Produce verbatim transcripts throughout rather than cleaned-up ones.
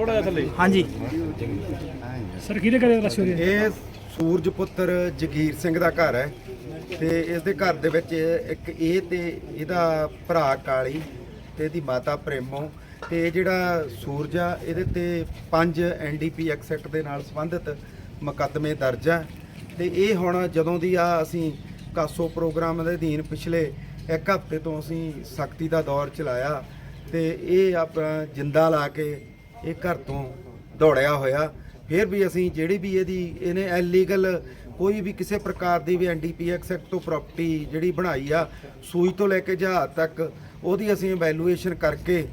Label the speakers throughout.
Speaker 1: ਥੋੜਾ ਜਿਹਾ ਥੱਲੇ।
Speaker 2: ਹਾਂਜੀ
Speaker 3: ਸਰ ਕਿਹਦੇ ਘਰੇ ਰਸ਼ ਹੋ ਰਹੀ ਹੈ?
Speaker 4: ਇਹ ਸੂਰਜ ਪੁੱਤਰ ਜਗੀਰ ਸਿੰਘ ਦਾ ਘਰ ਹੈ ਤੇ ਇਸ ਦੇ ਘਰ ਦੇ ਵਿੱਚ ਇੱਕ ਇਹ ਤੇ ਇਹਦਾ ਭਰਾ ਕਾਲੀ ਤੇ ਇਹਦੀ ਮਾਤਾ ਪ੍ਰੇਮੋ ਤੇ ਇਹ ਜਿਹੜਾ ਸੂਰਜ ਆ ਇਹਦੇ ਤੇ ਪੰਜ N D P act act ਦੇ ਨਾਲ ਸੰਬੰਧਿਤ ਮੁਕੱਦਮੇ ਦਰਜ ਆ ਤੇ ਇਹ ਹੁਣ ਜਦੋਂ ਦੀ ਆ ਅਸੀਂ ਕਾਸੋ ਪ੍ਰੋਗਰਾਮ ਦੇ ਅਧੀਨ ਪਿਛਲੇ ਇੱਕ ਹਫ਼ਤੇ ਤੋਂ ਅਸੀਂ ਸਖਤੀ ਦਾ ਦੌਰ ਚਲਾਇਆ ਤੇ ਇਹ ਆਪਣਾ ਜਿੰਦਾ ਲਾ ਕੇ ਇਹ ਘਰ ਤੋਂ ਦੌੜਿਆ ਹੋਇਆ। ਫਿਰ ਵੀ ਅਸੀਂ ਜਿਹੜੀ ਵੀ ਇਹਦੀ ਇਹਨੇ ਇਲੀਗਲ ਕੋਈ ਵੀ ਕਿਸੇ ਪ੍ਰਕਾਰ ਦੀ ਵੀ N D P act act ਤੋਂ ਪ੍ਰਾਪਰਟੀ ਜਿਹੜੀ ਬਣਾਈ ਆ ਸੂਈ ਤੋਂ ਲੈ ਕੇ ਜਹਾਜ਼ ਤੱਕ ਉਹਦੀ ਅਸੀਂ ਇਵੈਲੂਏਸ਼ਨ ਕਰਕੇ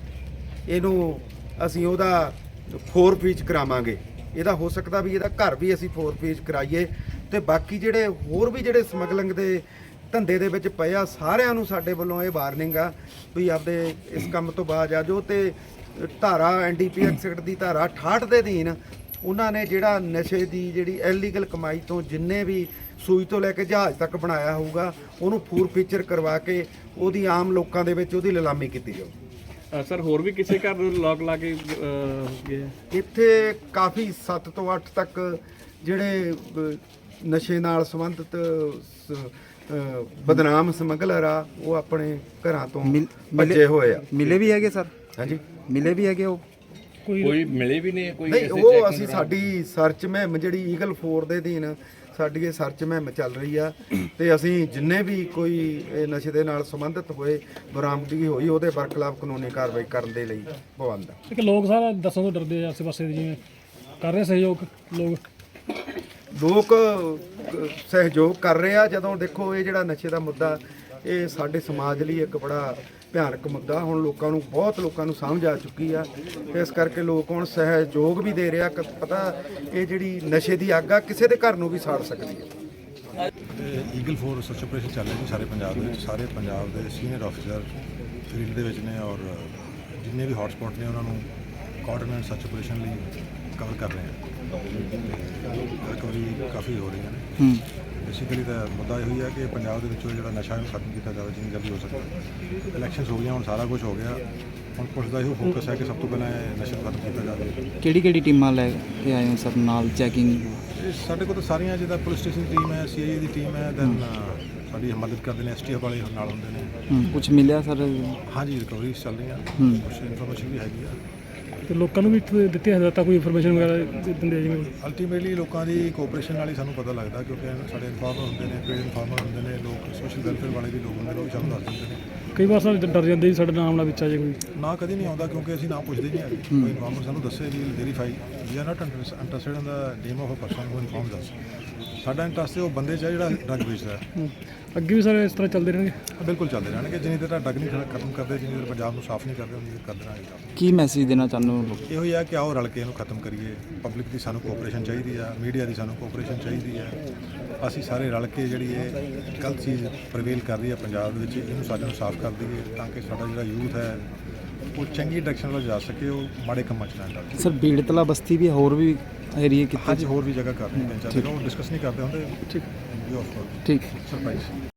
Speaker 4: ਇਹਨੂੰ ਅਸੀਂ ਉਹਦਾ ਫੋਰ ਫੀਚ ਕਰਾਵਾਂਗੇ। ਇਹਦਾ ਹੋ ਸਕਦਾ ਵੀ ਇਹਦਾ ਘਰ ਵੀ ਅਸੀਂ ਫੋਰ ਫੀਚ ਕਰਾਈਏ ਤੇ ਬਾਕੀ ਜਿਹੜੇ ਹੋਰ ਵੀ ਜਿਹੜੇ ਸਮਗਲਿੰਗ ਦੇ ਧੰਦੇ ਦੇ ਵਿੱਚ ਪਏ ਆ ਸਾਰਿਆਂ ਨੂੰ ਸਾਡੇ ਵੱਲੋਂ ਇਹ ਵਾਰਨਿੰਗ ਆ ਵੀ ਆਪਦੇ ਇਸ ਕੰਮ ਤੋਂ ਬਾਅਦ ਆ ਜੋ ਤੇ ਧਾਰਾ ਐਨ ਡੀ ਪੀ ਐਕਟ ਦੀ ਧਾਰਾ ਅਠਾਹਠ ਦੇ ਅਧੀਨ ਉਹਨਾਂ ਨੇ ਜਿਹੜਾ ਨਸ਼ੇ ਦੀ ਜਿਹੜੀ ਇਲੀਗਲ ਕਮਾਈ ਤੋਂ ਜਿੰਨੇ ਵੀ ਸੂਈ ਤੋਂ ਲੈ ਕੇ ਜਹਾਜ਼ ਤੱਕ ਬਣਾਇਆ ਹੋਊਗਾ ਉਹਨੂੰ ਫੂਰ ਫੀਚਰ ਕਰਵਾ ਕੇ ਉਹਦੀ ਆਮ ਲੋਕਾਂ ਦੇ ਵਿੱਚ ਉਹਦੀ ਨਿਲਾਮੀ ਕੀਤੀ ਜਾਊ।
Speaker 1: ਸਰ ਹੋਰ ਵੀ ਕਿਸੇ ਘਰ ਨੂੰ ਲੋਕ ਲਾ ਕੇ ਅਹ, ਗਏ?
Speaker 4: ਇੱਥੇ ਕਾਫੀ ਸੱਤ ਤੋਂ ਅੱਠ ਤੱਕ ਜਿਹੜੇ ਅਹ, ਨਸ਼ੇ ਨਾਲ ਸੰਬੰਧਿਤ ਸ- ਅਹ, ਬਦਨਾਮ ਸਮਗਲਰ ਆ ਉਹ ਆਪਣੇ ਘਰਾਂ ਤੋਂ
Speaker 2: ਮਿਲ-
Speaker 4: ਭੱਜੇ ਹੋਏ ਆ।
Speaker 2: ਮਿਲੇ ਵੀ ਹੈਗੇ ਸਰ?
Speaker 4: ਹਾਂਜੀ
Speaker 2: ਮਿਲੇ ਵੀ ਹੈਗੇ ਉਹ?
Speaker 1: ਕੋਈ ਮਿਲੇ ਵੀ ਨਹੀਂ ਕੋਈ?
Speaker 4: ਨਹੀਂ ਉਹ ਅਸੀਂ ਸਾਡੀ ਸਰਚ ਮੁਹਿੰਮ ਜਿਹੜੀ ਈਗਲ ਫੋਰ ਦੇ ਅਧੀਨ ਸਾਡੀ ਇਹ ਸਰਚ ਮੁਹਿੰਮ ਚੱਲ ਰਹੀ ਆ ਤੇ ਅਸੀਂ ਜਿੰਨੇ ਵੀ ਕੋਈ ਇਹ ਨਸ਼ੇ ਦੇ ਨਾਲ ਸੰਬੰਧਿਤ ਹੋਏ ਬਰਾਮਦਗੀ ਹੋਈ ਉਹਦੇ ਬਰਖਲਾਫ ਕਾਨੂੰਨੀ ਕਾਰਵਾਈ ਕਰਨ ਦੇ ਲਈ ਪਾਬੰਦ ਆ।
Speaker 3: ਕਿ ਲੋਕ ਸਾਰਾ ਦੱਸਣ ਤੋਂ ਡਰਦੇ ਆ ਆਸੇ ਪਾਸੇ ਦੇ, ਜਿਵੇਂ ਕਰ ਰਹੇ ਸਹਿਯੋਗ ਲੋਕ
Speaker 4: ਲੋਕ ਅਹ, ਸਹਿਯੋਗ ਕਰ ਰਹੇ ਆ। ਜਦੋਂ ਦੇਖੋ ਇਹ ਜਿਹੜਾ ਨਸ਼ੇ ਦਾ ਮੁੱਦਾ ਇਹ ਸਾਡੇ ਸਮਾਜ ਲਈ ਇੱਕ ਬੜਾ ਭਿਆਨਕ ਮੁੱਦਾ ਹੁਣ ਲੋਕਾਂ ਨੂੰ ਬਹੁਤ ਲੋਕਾਂ ਨੂੰ ਸਮਝ ਆ ਚੁੱਕੀ ਆ ਤੇ ਇਸ ਕਰਕੇ ਲੋਕ ਹੁਣ ਸਹਿਯੋਗ ਵੀ ਦੇ ਰਿਹਾ। ਪਤਾ ਇਹ ਜਿਹੜੀ ਨਸ਼ੇ ਦੀ ਅੱਗ ਆ ਕਿਸੇ ਦੇ ਘਰ ਨੂੰ ਵੀ ਸਾੜ ਸਕਦੀ ਹੈ।
Speaker 5: ਈਗਲ ਫੋਰ ਸਰਚ ਆਪਰੇਸ਼ਨ ਚੱਲ ਰਹੀ ਜੀ ਸਾਰੇ ਪੰਜਾਬ ਦੇ ਵਿੱਚ। ਸਾਰੇ ਪੰਜਾਬ ਦੇ ਸੀਨੀਅਰ ਅਫਸਰ ਫੀਲਡ ਦੇ ਵਿੱਚ ਨੇ ਔਰ ਜਿੰਨੇ ਵੀ ਹੌਟ ਸਪੌਟ ਨੇ ਉਹਨਾਂ ਨੂੰ ਕੋਆਰਡੀਨੇਟ ਸਰਚ ਆਪਰੇਸ਼ਨ ਲਈ ਕਵਰ ਕਰ ਰਹੇ ਹਾਂ। ਰਿਕਵਰੀ ਕਾਫੀ ਹੋ ਰਹੀਆਂ ਨੇ।
Speaker 2: ਹੂੰ
Speaker 5: ਬੇਸਿਕਲੀ ਤਾਂ ਮੁੱਦਾ ਇਹ ਹੀ ਹੈ ਕਿ ਪੰਜਾਬ ਦੇ ਵਿੱਚੋਂ ਜਿਹੜਾ ਨਸ਼ਾ ਨੂੰ ਖਤਮ ਕੀਤਾ ਜਾਵੇ ਜਿੰਨੀ ਜਲਦੀ ਹੋ ਸਕਦਾ। ਇਲੈਕਸ਼ਨਸ ਹੋ ਗਈਆਂ ਹੁਣ ਸਾਰਾ ਕੁਝ ਹੋ ਗਿਆ। ਹੁਣ ਪੁਲਿਸ ਦਾ ਇਹੋ ਫੋਕਸ ਹੈ ਕਿ ਸਭ ਤੋਂ ਪਹਿਲਾਂ ਇਹ ਨਸ਼ਾ ਨੂੰ ਖਤਮ ਕੀਤਾ ਜਾਵੇ।
Speaker 2: ਕਿਹੜੀ ਕਿਹੜੀ ਟੀਮਾਂ ਲੈ ਕੇ ਆਏ ਹੋ ਸਰ ਨਾਲ ਚੈਕਿੰਗ?
Speaker 5: ਇਹ ਸਾਡੇ ਕੋਲ ਤਾਂ ਸਾਰੀਆਂ ਜਿੱਦਾਂ ਪੁਲਿਸ ਸਟੇਸ਼ਨ ਦੀ ਟੀਮ ਹੈ, ਸੀ ਆਈ ਏ ਦੀ ਟੀਮ ਹੈ, ਦੈਨ ਸਾਡੀ ਮਦਦ ਕਰਦੇ ਨੇ, ਐਸ ਟੀ ਐਫ ਵਾਲੇ ਨਾਲ ਹੁੰਦੇ ਨੇ।
Speaker 2: ਕੁਝ ਮਿਲਿਆ ਸਰ?
Speaker 5: ਹਾਂਜੀ ਰਿਕਵਰੀਜ਼ ਚੱਲ ਰਹੀਆਂ,
Speaker 2: ਹੂੰ।
Speaker 5: ਕੁਛ ਇਨਫੋਰਮੇਸ਼ਨ ਵੀ ਹੈਗੀ ਆ।
Speaker 3: ਤੇ ਲੋਕਾਂ ਨੂੰ ਵੀ ਦਿੱਤੀ ਹਦਾਇਤਾਂ ਕੋਈ ਇਨਫੋਰਮੇਸ਼ਨ ਵਗੈਰਾ ਦਿੰਦੇ ਜਿਵੇਂ?
Speaker 5: ਅਲਟੀਮੇਟਲੀ ਲੋਕਾਂ ਦੀ ਕੋਆਪਰੇਸ਼ਨ ਨਾਲ ਹੀ ਸਾਨੂੰ ਪਤਾ ਲੱਗਦਾ ਕਿਉਂਕਿ ਸਾਡੇ ਇਨਫਾਰਮਰ ਹੁੰਦੇ ਨੇ, ਪੇਡ ਇਨਫਾਰਮਰ ਹੁੰਦੇ ਨੇ, ਲੋਕ ਸੋਸ਼ਲ ਵੈਲਫੇਅਰ ਵਾਲੇ ਵੀ ਲੋਕ ਹੁੰਦੇ ਨੇ, ਉਹ ਵੀ ਸਾਨੂੰ ਦੱਸ ਦਿੰਦੇ ਨੇ।
Speaker 3: ਕਈ ਵਾਰ ਸਰ ਡਰ ਜਾਂਦੇ ਜੀ ਸਾਡੇ ਨਾਮ ਨਾਲ ਵਿੱਚ ਆ ਜੇ ਕੋਈ?
Speaker 5: ਨਾ ਕਦੀ ਨਹੀਂ ਆਉਂਦਾ ਕਿਉਂਕਿ ਅਸੀਂ ਨਾ ਪੁੱਛਦੇ ਨਹੀਂ ਹੈਗੇ। ਕੋਈ ਇਨਫਾਰਮਰ ਸਾਨੂੰ ਦੱਸੇ ਵੀ verify we are not interested in the name of a person who informs us. ਸਾਡਾ ਇੰਟਰਸਟ ਉਹ ਬੰਦੇ 'ਚ ਹੈ ਜਿਹੜਾ ਡਰਗ ਵੇਚਦਾ ਹੈ।
Speaker 3: ਅੱਗੇ ਵੀ ਸਰ ਇਸ ਤਰ੍ਹਾਂ ਚੱਲਦੇ ਰਹਿਣਗੇ?
Speaker 5: ਬਿਲਕੁਲ ਚੱਲਦੇ ਰਹਿਣਗੇ ਜਿੰਨੀ ਦੇਰ ਤੱਕ ਡਰਗ ਨਹੀਂ ਖਤਮ ਕਰਦੇ, ਜਿੰਨੀ ਦੇਰ ਪੰਜਾਬ ਨੂੰ ਸਾਫ਼ ਨਹੀਂ ਕਰਦੇ, ਉਨੀ ਦੇਰ ਕਰਦੇ ਰਹਿਣਗੇ।
Speaker 2: ਕੀ ਮੈਸੇਜ ਦੇਣਾ ਚਾਹੁੰਦੇ ਹੋ ਲੋਕ?
Speaker 5: ਇਹੋ ਹੀ ਹੈ ਕਿ ਆਓ ਰਲ ਕੇ ਇਹਨੂੰ ਖਤਮ ਕਰੀਏ। ਪਬਲਿਕ ਦੀ ਸਾਨੂੰ ਕੋਆਪਰੇਸ਼ਨ ਚਾਹੀਦੀ ਆ, ਮੀਡੀਆ ਦੀ ਸਾਨੂੰ ਕੋਆਪਰੇਸ਼ਨ ਚਾਹੀਦੀ ਆ। ਅਸੀਂ ਸਾਰੇ ਰਲ ਕੇ ਜਿਹੜੀ ਇਹ ਗਲਤ ਚੀਜ਼ ਪ੍ਰਵੇਲ ਕਰ ਰਹੀ ਹੈ ਪੰਜਾਬ ਦੇ ਵਿੱਚ, ਇਹਨੂੰ ਸਾਡੇ ਨੂੰ ਸਾਫ਼ ਕਰ ਦਈਏ ਤਾਂ ਕਿ ਸਾਡਾ ਜਿਹੜਾ ਯੂਥ ਹੈ ਉਹ ਚੰਗੀ ਡਾਇਰੈਕਸ਼ਨ ਵੱਲ ਜਾ ਸਕੇ, ਉਹ ਮਾੜੇ ਕੰਮਾਂ 'ਚ ਨਾ ਡਾਲੇ।
Speaker 2: ਸਰ ਬੀੜਤਲਾ ਬਸਤੀ ਵੀ ਹੋਰ ਵੀ ਏਰੀਏ ਕਿਤੇ?
Speaker 5: ਹਾਂਜੀ ਹੋਰ ਵੀ ਜਗ੍ਹਾ ਕਰ ਰਹੇ ਨੇ, ਉਹ ਡਿਸਕਸ ਨਹੀਂ ਕਰਦੇ ਹੁੰਦੇ।
Speaker 3: ਠੀਕ
Speaker 5: ਵੀ ਆਫ
Speaker 2: ਠੀਕ
Speaker 5: ਸਰਪ੍ਰਾਈਜ਼।